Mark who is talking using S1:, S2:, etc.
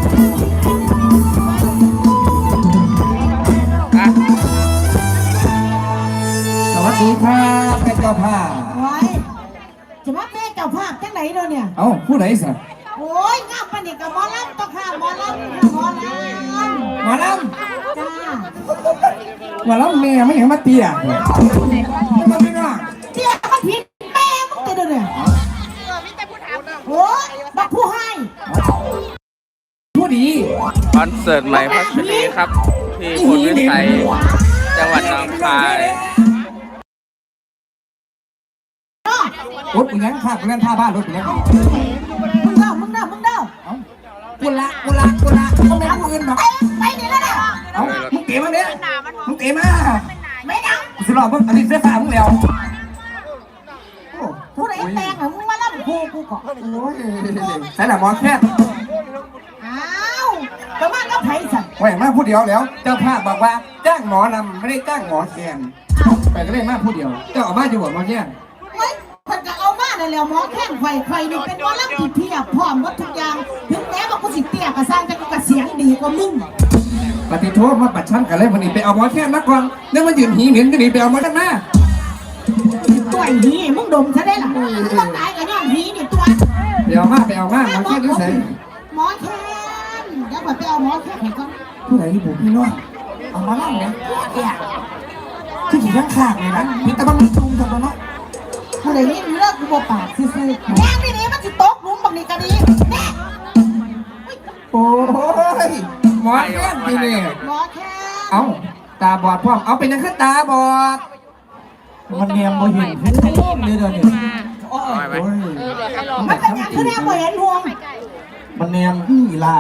S1: สวัสดีครับแม่เจ้าภาพ
S2: ไว้จะมาแม่เจ้าภาพจังไหนเนาะเนี่ย
S1: เอ้าผู้ใดสิ
S2: โอ้ยงามปานนี้กับหมอลำต้องค่ะหมอลำค่ะหมอลำ
S1: หมอล
S2: จ้า
S1: ำหมอลำแม่ไม่เห็นมาเตี้ยมันไม่น่า
S2: เตี้ยมันผิดแม่มึงเด้อเนี่ยโอ้ยบักผู้ให้
S1: ผู้ดี
S3: คอนเสิร์ตใหม่พัชรีครับที่พลวิสัยจังหวัดหนองคาย
S1: รถเป็นยังข้าเป็นท่าบ้านรถเป็นยัง
S2: มึงเด้อ
S1: กุละเขาไม่เอาเงินหรอก
S2: ไปนี่แล้วนะ
S1: เอ้ามึงเก๋มาเนี่ยมึงเก๋มา
S2: ไม่ดัง
S1: สิรอมึงอันนี้เสียฝ่ามึงแล้ว
S2: ผู้ใดแปลงเหรอมึงมาลำกูก่อน
S1: โอ้ยใส่หน้าหมอแค่
S2: อ้าวแต่ว่าก็ไผ่สั่น
S1: แหวกมาผู้เดียวแล้วเจ้าภาพบอกว่าจ้างหมอนำไม่ได้จ้างหมอแคนไปก็เลยมาผู้เดียวเจ้าออกมาอยู่บ่หมอแคน
S2: คนก็เอามาแล้วหมอแข้งไฟนี่เป็นหมอลำที่เพียบพร้อมหมดทุกอย่างถึงแม้ว่ากูสิเตี้ยกระสร้างแต่กูกระเสียงดีกว่ามึง
S1: ปฏิโทษมาปัดชั้นกันเลยวันนี้ไปเอาหมอแค่มาก่อนแล้วมันยืนหีเหม็นจะหนีไปเอาหมอชั้นมา
S2: ตัวหีมึงดมซะได้หรอมึงตายกับย้อนหีนี่ตัว
S1: ไปเอามาหมอแค่ดูใส่
S2: หมอแค่เดี๋ยวไปเอาหมอแค่ไหนก่อน
S1: ผู้ใดที่ผมพี่น้องเอามาเล่าเนี่ยที่ขี่ข้างขากเลยนะพี่ตะบังมีจุ่มทำมาเนาะ
S2: ผู้ใดนี่เลิกกูบอกปากซื่อแม่นี่มันจะตกลุมบักนี่ก็ดีแม่
S1: โอ้ยหมอแค่ที่นี่
S2: หมอแค่
S1: เอาตาบอดพ่อมเอาเป็นยังขึ้นตาบอดมันเนียมบ่เห็นเดี๋ยวนี้
S2: มันเป็นยังคือแม่บ่เห็นห่วง
S1: มันเนียมอีลา